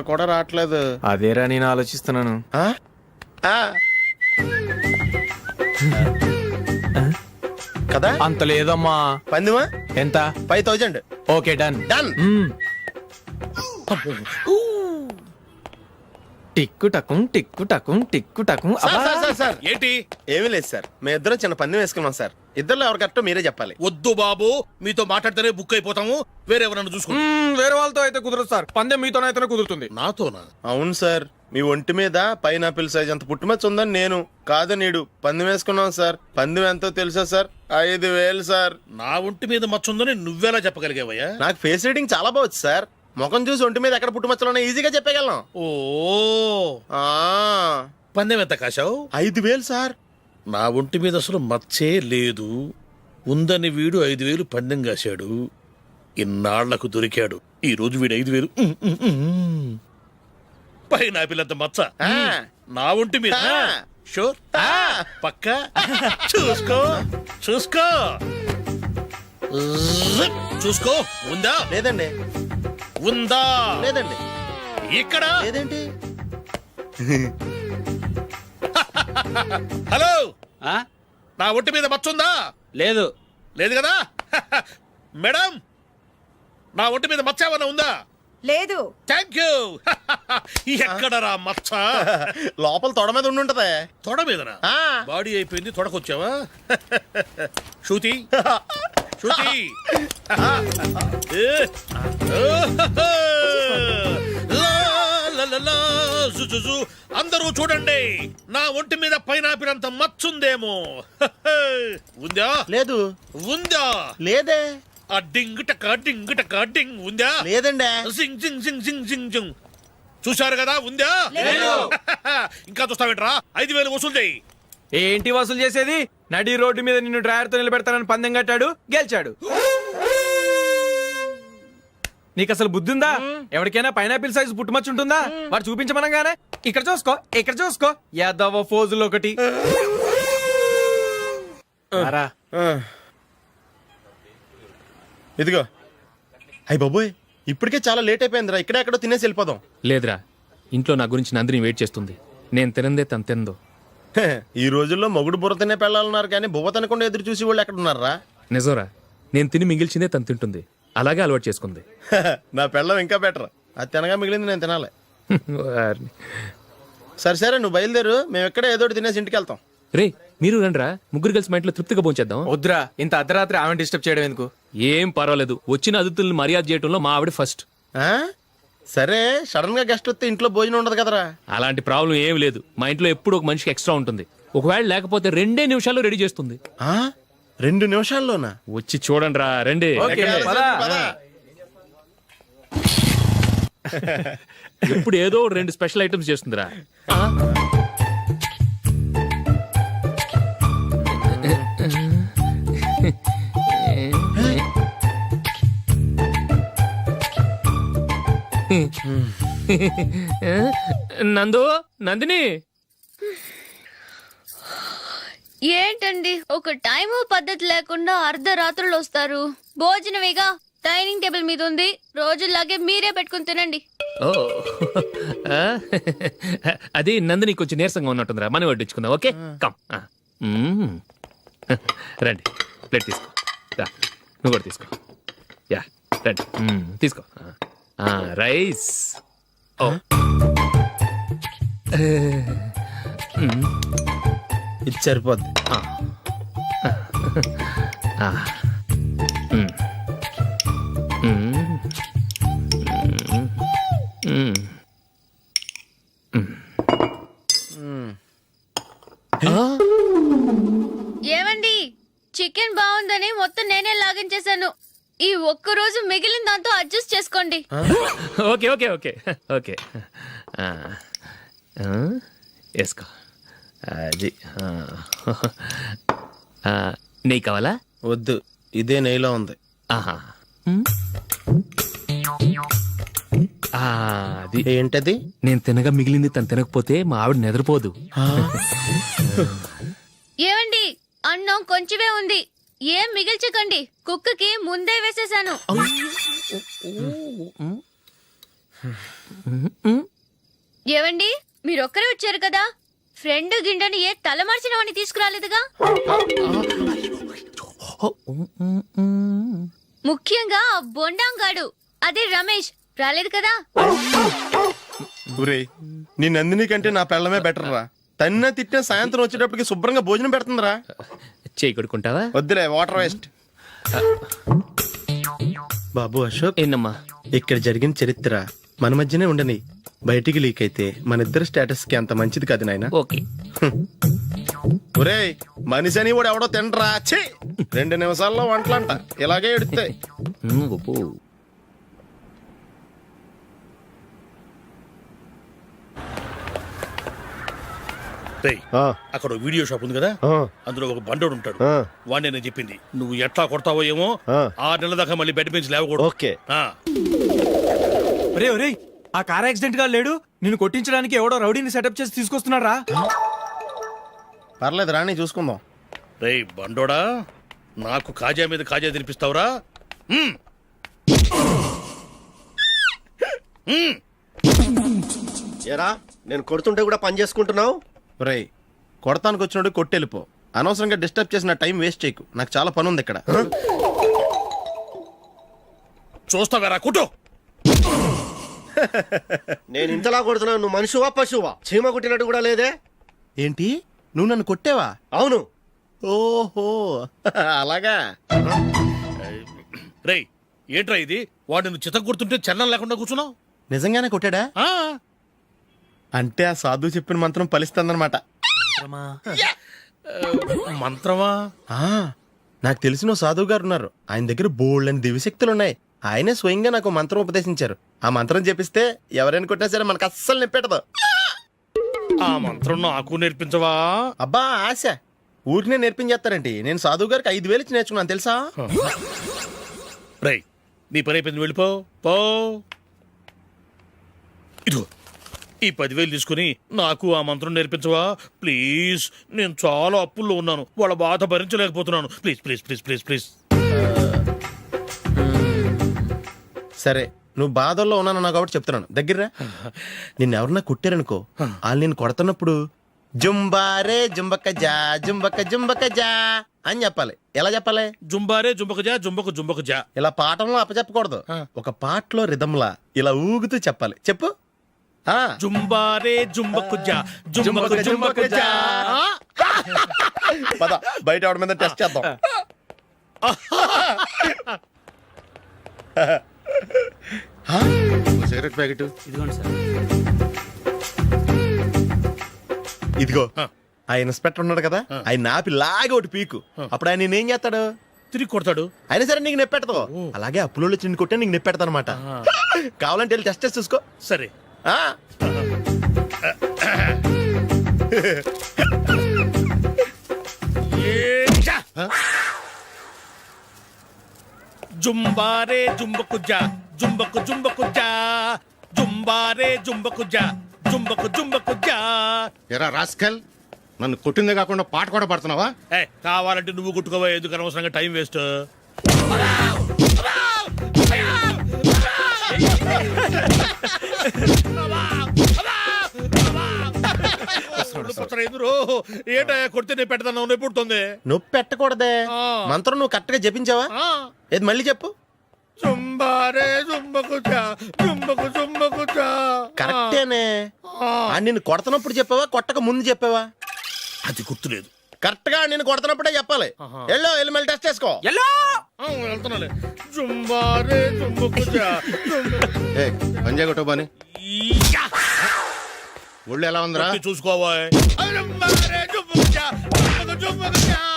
కూడా రావట్లేదు. అదేరా నేను ఆలోచిస్తున్నాను. ఆ? ఆ. కదా అంత లేదమ్మా. పందిమా ఎంత? 5000. Okay done. డన్. టిక్కు టకుం టిక్కు టకుం టిక్కు టకుం. సార్ ఏంటి? ఏమీ లేదు సార్, మేము ఇద్దరం చిన్న పందెం వేసుకున్నాం సార్. ఇద్దరు ఎవరు కరెక్టో మీరే చెప్పాలి. వద్దు బాబు, మీతో మాట్లాడితేనే బుక్ అయిపోతాము. వేరెవరన్నా చూసుకుంటాం. వేరే వాళ్ళతో అయితే కుదరదు సార్, పందెం మీతోనైతేనే కుదురుతుంది. నాతోనా? అవును సార్, మీ ఒంటి మీద పైనాపిల్ సైజ్ అంత పుట్టుమచ్చ ఉందని నేను కాదు నీడు పందెం వేసుకున్నాం సార్. పందెం ఎంతో తెలుసా సార్? 5000 సార్. నా ఒంటి మీద మచ్చుందని నువ్వెలా చెప్పగలిగావయ్యా? నాకు ఫేస్ రీడింగ్ చాలా బాగుంది సార్. ముఖం చూసి ఒంటి మీద ఎక్కడ పుట్టుమచ్చలో ఈజీగా చెప్పగలం. ఓ, ఆ, పందెం ఎంత కాశావు? 5000 సార్. నా ఒంటి మీద అసలు మచ్చే లేదు. ఉందని వీడు 5000 పందెం కాశాడు. ఇన్నాళ్లకు దొరికాడు. ఈ రోజు వీడు 5000. పైన పిల్లంత మచ్చ ఆ. నా ఒంటి మీద. ఆ. షూర్? ఆ. పక్క చూసుకో చూసుకో జిప్. చూసుకో. ఉందా? లేదండి. ఉందా? లేదండి. ఇక్కడ లేదేంటి? హలో, నా ఒంటి మీద మచ్చుందా? లేదు. లేదు కదా? మేడం, నా ఒంటి మీద మచ్చ ఏమన్నా ఉందా? లేదు. Thank you. ఎక్కడరా మచ్చ? లోపల తొడ మీద ఉండుంటదే. తొడ మీదనా? ఆ. బాడీ అయిపోయింది, తొడకొచ్చావా? శృతి శృతి. అందరూ చూడండి, నా ఒంటి మీద పైనాపిల్ అంత మచ్చుందేమో. ఉందా? లేదు. ఉందా? లేదే. ఆ డింగ్ టక డింగ్ టక డింగ్ ఉందా? లేదండి. జింగ్ జింగ్ జింగ్ జింగ్ జింగ్ జింగ్. చూశారు కదా? ఉందా? ఇంకా చూస్తావేంట్రా? 5000 వసూలు చేయి. ఏంటి వసూలు చేసేది? నడి రోడ్డు మీద నిన్ను డ్రైవర్ తో నిలబెడతానని పందెం కట్టాడు, గెలిచాడు. నీకు అసలు బుద్ధి ఉందా? ఎవరికైనా పైనాపిల్ సైజ్ పుట్టుమచ్చు ఉంటుందా? వాడు చూపించమనగానే ఇక్కడ చూసుకో, ఇక్కడ చూసుకో, యాదవ ఫోజులు ఒకటి. రా. ఇదిగో. అయ్య బాబోయ్, ఇప్పటికే చాలా లేట్ అయిపోయిందిరా. ఇక్కడే ఎక్కడో తినేసి వెళ్ళిపోదాం. లేదురా, ఇంట్లో నా గురించి నందిని వెయిట్ చేస్తుంది. నేను తినందే తను తిందో. ఈ రోజుల్లో మొగుడు బుర్ర తినే పెళ్ళాలన్నారు కానీ బువ్వ తినకుండా ఎదురు చూసి వాళ్ళు ఎక్కడ ఉన్నారా? నిజంరా, నేను తిని మిగిల్చిందే తను తింటుంది. అలాగే అలవాటు చేసుకుంది. నా పెళ్ళం ఇంకా బెటర్. అది తినగా మిగిలింది నేను తినాలి. వారిని. సరే నువ్వు బయలుదేరు, మేము ఎక్కడే ఏదో ఒకటి తినేసి ఇంటికి వెళ్తాం. రే, మీరు రండిరా, ముగ్గురు కలిసి మా ఇంట్లో తృప్తిగా పోంచేద్దాం. వద్దురా, ఇంత అర్ధరాత్రి ఆమె డిస్టర్బ్ చేయడం ఎందుకు? ఏం పర్వాలేదు, వచ్చిన అతిథుల్ని మర్యాద చేయడంలో మా ఆవిడ ఫస్ట్. ఆ? సరే, సడన్ గా గెస్ట్ వస్తే ఇంట్లో భోజనం ఉండదు కదరా. అలాంటి ప్రాబ్లం ఏం లేదు. మా ఇంట్లో ఎప్పుడు ఒక మనిషికి ఎక్స్ట్రా ఉంటుంది. ఒకవేళ లేకపోతే 2 నిమిషాల్లో రెడీ చేస్తుంది. 2 నిమిషాల్లోనా? వచ్చి చూడండి రా, రండి. ఓకే, పద. ఇప్పుడు ఏదో 2 స్పెషల్ ఐటమ్స్ చేస్తుందిరా. నందు, నందిని. ఏంటండి ఒక టైము పద్ధతి లేకుండా అర్ధరాత్రులు వస్తారు? భోజనమేగా డైనింగ్ టేబుల్ మీద ఉంది, రోజుల్లాగే మీరే పెట్టుకుని తినండి. ఓ, అది నందిని కొంచెం నీరసంగా ఉన్నట్టుందిరా, మనీ వడ్డించుకుందాం. Okay, come. రండి, ప్లేట్ తీసుకో. నువ్వు కూడా తీసుకో. యా, రండి, తీసుకో. రైస్. ఓ, ఇది సరిపోద్ది. ఏమండి, చికెన్ బాగుందని మొత్తం నేనే లాగించేశాను. ఈ ఒక్కరోజు మిగిలిన దాంతో అడ్జస్ట్ చేసుకోండి. Okay okay okay okay. వేసుకో. అది నెయ్యి కావాలా? వద్దు, ఇదే నెయ్యిలో ఉంది. ఆహా, అది ఏంటది? నేను తినగా మిగిలింది తను తినకపోతే మా ఆవిడ నిద్రపోదు. ఏమండి, అన్నం కొంచెమే ఉంది, ఏం మిగిల్చకండి. కుక్కకి ముందే వేసేసాను. ఏవండి మీరొక్కరే వచ్చారు కదా ఫ్రెండ్ గిండెని ఏ తలమార్చిన వాడిని తీసుకురాలేదుగా ముఖ్యంగా ఆ బొండాంగాడు అదే రమేష్ రాలేదు కదా ఒరేయ్ నీ నందిని కంటే నా పెళ్ళమే బెటర్ రా. తన్న తిట్టిన సాయంత్రం వచ్చేటప్పటికి శుభ్రంగా భోజనం పెడుతుందిరా. చేయి కొడుకుంటావా? వద్దులే వాటర్ వేస్ట్. బాబు అశోక్, ఏందమ్మా? ఇక్కడ జరిగిన చరిత్ర మన మధ్యనే ఉండని, బయటికి లీక్ అయితే మన ఇద్దరు స్టేటస్ కి అంత మంచిది కాదు నాయన. ఓకే. ఒరేయ్ మనిషి అని కూడా ఎవడో తినరా. ఛీ 2 నిమిషాల్లో వంటలంట ఇలాగే ఎడుతాయి. గొప్ప. రేయ్, అక్కడ ఓ వీడియో షాప్ ఉంది కదా, అందులో ఒక బండోడు ఉంటాడు. వాడిని నేను చెప్పింది నువ్వు ఎట్లా కొడతావో ఏమో, 6 నెలల దాకా మళ్ళీ బెడ్ పెంచి లేవకూడదు. ఓకే. ఒరే ఒరే ఆ కార్ యాక్సిడెంట్ గా లేడు, నిన్ను కొట్టించడానికి ఎవడో రౌడీని సెటప్ చేసి తీసుకొస్తున్నాడు రా. పర్లేదు రాని చూసుకుందాం. రేయ్ బండోడా, నాకు కాజా మీద కాజా తినిపిస్తావురా? ఏరా నేను కొడుతుంటే కూడా పని చేసుకుంటున్నావు? ఒరేయ్ కొడతానికి వచ్చినోడు కొట్టెళ్ళిపో. అనవసరంగా డిస్టర్బ్ చేసిన టైం వేస్ట్ చేయకు. నాకు చాలా పని ఉంది ఇక్కడ. చూస్తావేరా కుట్టు. నేను ఇంతలా కొడుతున్నావు, నువ్వు మనిషివా పశువా? చీమ కుట్టినట్టు కూడా లేదే. ఏంటి నువ్వు నన్ను కొట్టేవా? అవును. ఓహో అలాగా. రేయ్ ఏంట్రా ఇది? వాడు నువ్వు చిత్త కొడుతుంటే చలనం లేకుండా కూర్చున్నావు. నిజంగానే కొట్టాడా? అంటే ఆ సాధువు చెప్పిన మంత్రం ఫలిస్తుందన్నమాట. మంత్రమా? నాకు తెలిసిన ఓ సాధువు గారు ఉన్నారు. ఆయన దగ్గర బోల్డ్ అని దివ్యశక్తులు ఉన్నాయి. ఆయనే స్వయంగా నాకు మంత్రం ఉపదేశించారు. ఆ మంత్రం చెప్పిస్తే ఎవరైనా కొట్టినా సరే మనకు అస్సలు నిప్పెట్టదు. ఆ మంత్రం నాకు నేర్పించవా? అబ్బా ఆశ ఊరినే నేర్పించేస్తారండి. నేను సాధువు గారికి 5,000 ఇచ్చి నేర్చుకున్నాను తెలుసా. రేయ్ నీ పని అయిపోయింది, వెళ్ళిపో పో. ఇదిగో ఈ 10,000 తీసుకుని నాకు ఆ మంత్రం నేర్పించవా ప్లీజ్? నేను చాలా అప్పుల్లో ఉన్నాను, వాళ్ళ బాధ భరించలేకపోతున్నాను. Please please please please please. సరే నువ్వు బాధల్లో ఉన్నాను నాకు కాబట్టి చెప్తున్నాను. దగ్గర నిన్ను ఎవరన్నా కొట్టారనుకో, వాళ్ళు నేను కొడుతున్నప్పుడు జుంబారే జుంబక జా జుంబక జుంబక జా అని చెప్పాలి. ఎలా చెప్పాలి? జుంబారే జుంబకు జా జుంబకు జుంబకు జా. ఇలా పాఠంలో అప్పచెప్పకూడదు. ఒక పాటలో రిధంలా ఇలా ఊగుతూ చెప్పాలి. చెప్పు. జుంబారే జుంబకు జా జుంబకు జుంబకు జా. పద బయట ఆవిడ మీద టెస్ట్ చేద్దాం. సిగరెట్ ప్యాకెట్ ఇదిగో. ఆ ఇన్స్పెక్టర్ ఉన్నాడు కదా, ఆయన నాపి లాగే ఒకటి పీకు. అప్పుడు ఆయన నేనేం చేస్తాడు? తిరిగి కొడతాడు. అయినా సరే నీకు నెప్పెడతావు. అలాగే అప్పులో చిన్న కొట్టే నీకు నెప్పెడతా అనమాట. కావాలంటే వెళ్ళి టెస్ట్ చేసి చూసుకో. సరే. జుంబారే జుంబకు జా జుంబకు జుంబకు జా జుంబారే జుంబకు జా జుంబకు జుంబకు జా. ఎరా రాస్కల్, నన్ను కొట్టిందే కాకుండా పాట కూడా పడుతున్నావా? కావాలంటే నువ్వు కుట్టుకోవా, ఎందుకు అనవసరంగా టైం వేస్ట్. ఏంటా కొడితే నేను పెడతాను, నొప్పి పుడుతుంది. నొప్పి పెట్టకూడదే. మంత్రం నువ్వు కరెక్ట్ గా జపించావా? ఏది మళ్ళీ చెప్పు. జుంబారే జుంబకు జా జుంబకు జుంబకు జా. కరెక్టేనే. నిన్ను కొడుతున్నప్పుడు చెప్పావా కొట్టక ముందు చెప్పావా? అది గుర్తులేదు. కరెక్ట్ గా నేను కొడుతున్నప్పుడే చెప్పాలి. వెళ్ళి మళ్ళీ టెస్ట్ చేసుకో. వెళ్తున్నాలే. జుంబారే జుంబకు జా పంజాయ్ కొట్టో బాని. ఒళ్ళు ఎలా ఉందిరా? చూసుకోవా. జుంబారే జుంబకు జా జుంబకు జుంబకు జా.